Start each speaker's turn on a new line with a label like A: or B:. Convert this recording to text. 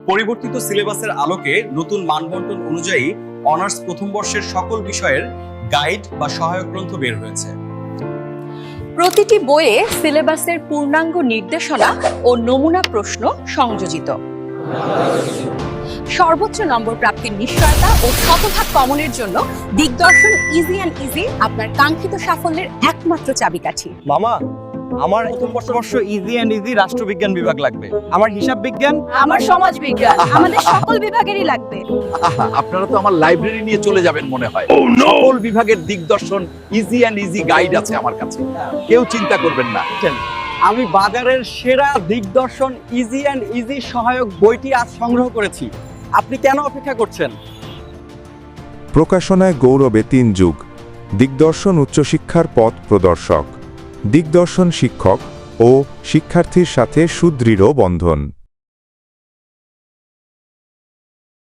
A: পরিবর্তিত সিলেবাসের আলোকে নতুন মানবন্টন অনুযায়ী অনার্স প্রথম বর্ষের সকল বিষয়ের গাইড বা সহায়ক গ্রন্থ বের হয়েছে।
B: প্রতিটি বইয়ে সিলেবাসের পূর্ণাঙ্গ নির্দেশনা ও নমুনা প্রশ্ন সংযোজিত। সর্বোচ্চ নম্বর প্রাপ্তির নিশ্চয়তা ও শতভাগ কমনের জন্য দিগদর্শন ইজি অ্যান্ড ইজি আপনার কাঙ্ক্ষিত সাফল্যের একমাত্র চাবিকাঠি।
C: মামা, আমার প্রথম বর্ষ ইজি অ্যান্ড ইজি রাষ্ট্রবিজ্ঞান বিভাগ লাগবে, আমার হিসাব বিজ্ঞান,
B: আমার সমাজ বিজ্ঞান, আমাদের সকল বিভাগেরই লাগবে।
D: আপনারা তো আমার লাইব্রেরি নিয়ে চলে যাবেন মনে হয়। সকল বিভাগের দিগদর্শন ইজি অ্যান্ড ইজি গাইড আছে আমার কাছে, কেউ চিন্তা করবেন না।
C: আমি বাজারের সেরা দিগদর্শন ইজি অ্যান্ড ইজি সহায়ক বইটি আজ সংগ্রহ করেছি। আপনি কেন অপেক্ষা করছেন?
E: প্রকাশনায় গৌরবে 3 যুগ। দিগদর্শন উচ্চশিক্ষার পথ প্রদর্শক। দিগদর্শন শিক্ষক ও শিক্ষার্থীর সাথে সুদৃঢ় বন্ধন।